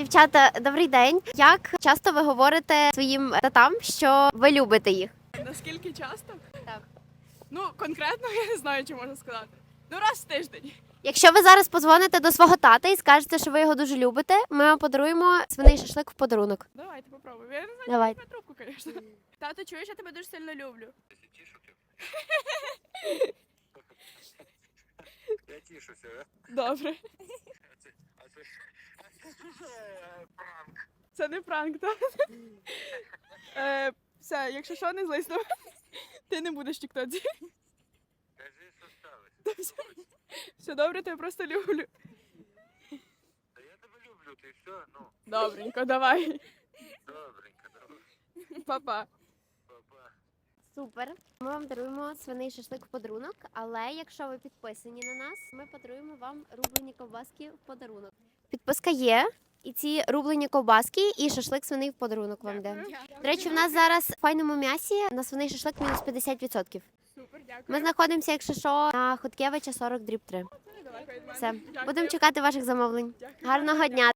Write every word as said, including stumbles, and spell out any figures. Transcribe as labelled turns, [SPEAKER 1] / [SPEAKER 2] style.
[SPEAKER 1] Дівчата, добрий день. Як часто ви говорите своїм татам, що ви любите їх?
[SPEAKER 2] Наскільки часто?
[SPEAKER 1] Так.
[SPEAKER 2] Ну, конкретно я не знаю, чи можна сказати. Ну, раз в тиждень.
[SPEAKER 1] Якщо ви зараз подзвоните до свого тата і скажете, що ви його дуже любите, ми вам подаруємо свиний шашлик в подарунок.
[SPEAKER 2] Давайте попробуємо. Я не знаю,
[SPEAKER 1] Давайте.
[SPEAKER 2] чи трубку, звісно. Тато, чуєш, я тебе дуже сильно люблю.
[SPEAKER 3] Я тішуся, да?
[SPEAKER 2] Добре.
[SPEAKER 3] А це, а це, а це е, пранк.
[SPEAKER 2] Це не пранк, так? Е, все, якщо що, не злись на мене. Ти не будеш в тіктоці.
[SPEAKER 3] Кажи, що сталося.
[SPEAKER 2] Все добре, тебе просто люблю.
[SPEAKER 3] Та я тебе люблю, ти все, ну,
[SPEAKER 2] Добренько, давай.
[SPEAKER 3] добренько, добре.
[SPEAKER 2] Па-па.
[SPEAKER 3] Па-па.
[SPEAKER 1] Супер. Ми вам даруємо свиний шашлик в подарунок, але якщо ви підписані на нас, ми подаруємо вам рублені ковбаски в подарунок. Підписка є, і ці рублені ковбаски, і шашлик свиний в подарунок вам йде. До речі, в нас зараз в файному м'ясі на свиний шашлик мінус п'ятдесят відсотків.
[SPEAKER 2] Супер, дякую.
[SPEAKER 1] Ми знаходимося, якщо що, на Хоткевича сорок дріб три.
[SPEAKER 2] Давай, від мене.
[SPEAKER 1] Все,
[SPEAKER 2] Дякую.
[SPEAKER 1] будемо чекати ваших замовлень.
[SPEAKER 2] Дякую.
[SPEAKER 1] Гарного дня!